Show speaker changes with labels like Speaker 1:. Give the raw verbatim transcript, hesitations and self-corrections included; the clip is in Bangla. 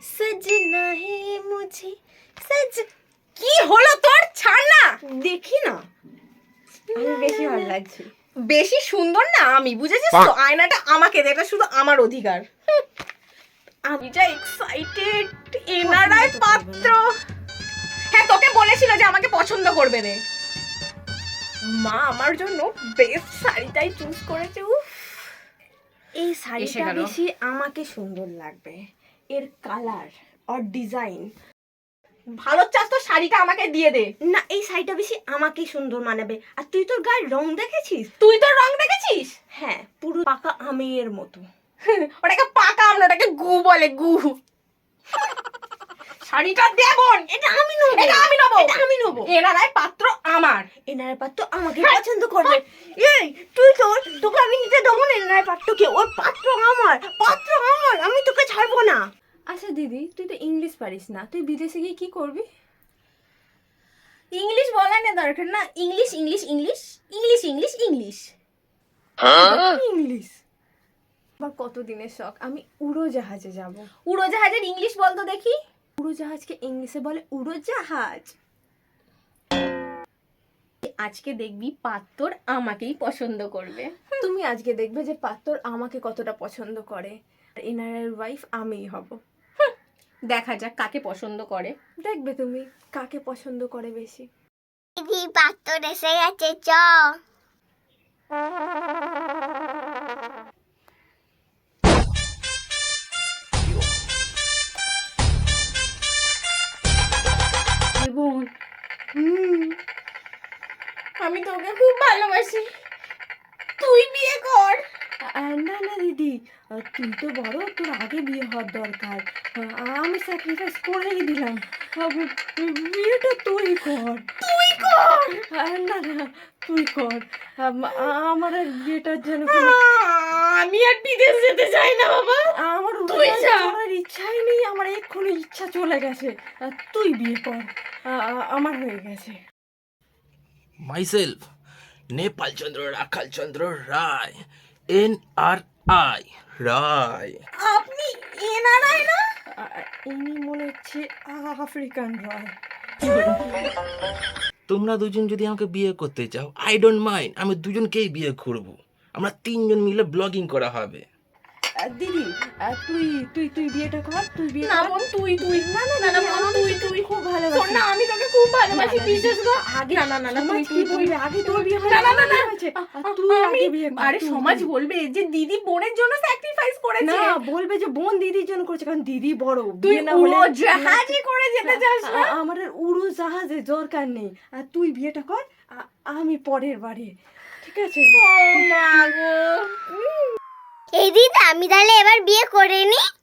Speaker 1: सजना है मुझे सज কি হলো তোর? ছাড় না,
Speaker 2: দেখি না, আমি বেশি ভালো লাগছে।
Speaker 1: বেশি সুন্দর না আমি, বুঝেছিস তো? আয়নাটা আমাকে দে, এটা শুধু আমার অধিকার। আমি যা এক্সাইটেড। এনআরআই পাত্র। হ্যাঁ, তোকে বলেছিল যে আমাকে পছন্দ করবে রে। মা আমার জন্য বেস্ট শাড়িটাই চুজ করেছে। উফ,
Speaker 2: এই
Speaker 1: এসে
Speaker 2: শাড়িটা
Speaker 1: গেল।
Speaker 2: বেশি আমাকে সুন্দর লাগবে, এর কালার আর ডিজাইন।
Speaker 1: ভালো চাস তো শাড়িটা আমাকে দিয়ে দে।
Speaker 2: না, এই শাড়িটা বেশি আমাকেই সুন্দর মানাবে। আর তুই তোর গায়ের রং দেখেছিস?
Speaker 1: তুই তো রং দেখেছিস?
Speaker 2: হ্যাঁ, পুরো পাকা আমের মতো।
Speaker 1: ওটাকে পাকা আম না, ওটাকে গু বলে, গু। শাড়িটা দে বোন।
Speaker 2: এটা আমি নেবো,
Speaker 1: এটা আমি নেবো,
Speaker 2: এটা আমি নেবো।
Speaker 1: এনারাই পাত্র আমার।
Speaker 2: এনার পাত্র আমাকে পছন্দ করবে। এই তুই তো, তোকে আমি নিতে দেবো না এনার পাত্রকে। ওর পাত্র আমার, পাত্র আমার, আমি তোকে ছাড়বো না। আচ্ছা দিদি, তুই তো ইংলিশ পারিস না, তুই বিদেশে গিয়ে কি করবি?
Speaker 1: ইংলিশ বলা না দরকার না। English English English English English English
Speaker 2: English আমার কত দিনের শখ, আমি উড়োজাহাজে যাব।
Speaker 1: উড়োজাহাজের ইংলিশ বলতো দেখি।
Speaker 2: উড়োজাহাজকে ইংলিশে বলে উড়োজাহাজ।
Speaker 1: আজকে দেখবি পাত্র আমাকেই পছন্দ করবে।
Speaker 2: তুমি আজকে দেখবে যে পাত্র আমাকে কতটা পছন্দ করে। আর এনারের ওয়াইফ আমিই হব।
Speaker 1: দেখা যাক কাকে পছন্দ করে।
Speaker 2: দেখবে তুমি কাকে পছন্দ করে বেশি।
Speaker 3: দিদি পাত্র এসে গেছে, চ।
Speaker 1: বোন, আমি তোকে খুব ভালোবাসি, তুই বিয়ে কর।
Speaker 2: আহ, না না দিদি, আহ, তুই তো বড়, তোর আগে বিয়ে হওয়ার দরকার। আহ, আমি স্যাক্রিফাইস করেই দিলাম। আহ, বিয়েটা তুই কর,
Speaker 1: তুই কর।
Speaker 2: আহ, না না তুই কর। আম- আমার আর বিয়েটার যেন
Speaker 1: আমি আর বিদেশ যেতে চাই না বাবা।
Speaker 2: আমার
Speaker 1: তুই যা।
Speaker 2: করার ইচ্ছাই নেই, আমার এক্ষুনি ইচ্ছা চলে গেছে। আহ, তুই বিয়ে কর, আহ, আমার হয়ে গেছে।
Speaker 4: myself Nepal Chandra Rakhal Chandra Roy, N R I Roy.
Speaker 1: আপনি এনআরআই না?
Speaker 2: আহ, ইনি মনে হচ্ছে আফ্রিকান রয়।
Speaker 4: তোমরা দুজন যদি আমাকে বিয়ে করতে চাও, আই ডোন্ট মাইন্ড, আমি দুজনকেই বিয়ে করব। আমরা তিনজন মিলে ব্লগিং করা হবে।
Speaker 2: আহ, দিদি, আহ, তুই তুই তুই বিয়েটা কর, তুই বিয়ে
Speaker 1: না
Speaker 2: কর।
Speaker 1: বোন, তুই তুই
Speaker 2: না না
Speaker 1: না না
Speaker 2: দিদি,
Speaker 1: বোন,
Speaker 2: আমি
Speaker 1: তুই
Speaker 2: তোকে
Speaker 1: তুই
Speaker 2: খুব
Speaker 1: শোন
Speaker 2: ভালোবাসি।
Speaker 1: না, আমি তোকে খুব ভালোবাসি,
Speaker 2: না, না,
Speaker 1: বিশ্বাস কর।
Speaker 2: আগে
Speaker 1: না না না না,
Speaker 2: সমাজ
Speaker 1: তুই
Speaker 2: কি
Speaker 1: তুই
Speaker 2: বলবে? আগে তোর বিয়ে
Speaker 1: না না না না,
Speaker 2: হয়েছে, আর তুই
Speaker 1: আমি
Speaker 2: আগে বিয়ে কর,
Speaker 1: আরে
Speaker 2: তুই
Speaker 1: সমাজ
Speaker 2: তুই।
Speaker 1: বলবে যে দিদি বোনের জন্য স্যাক্রিফাইস করেছে।
Speaker 2: না, বলবে যে বোন দিদির জন্য করেছে, কারণ দিদি বড়।
Speaker 1: তুই
Speaker 2: বিয়ে না হলে
Speaker 1: উড়োজাহাজে করে যেতে চাস না?
Speaker 2: আ- আমার আর উড়োজাহাজে দরকার নেই। আর তুই বিয়েটা কর, আ- আমি পরের বারে, ঠিক আছে?
Speaker 1: ও মা গো।
Speaker 3: এই দিদি আমি তাহলে এবার বিয়ে করে নি।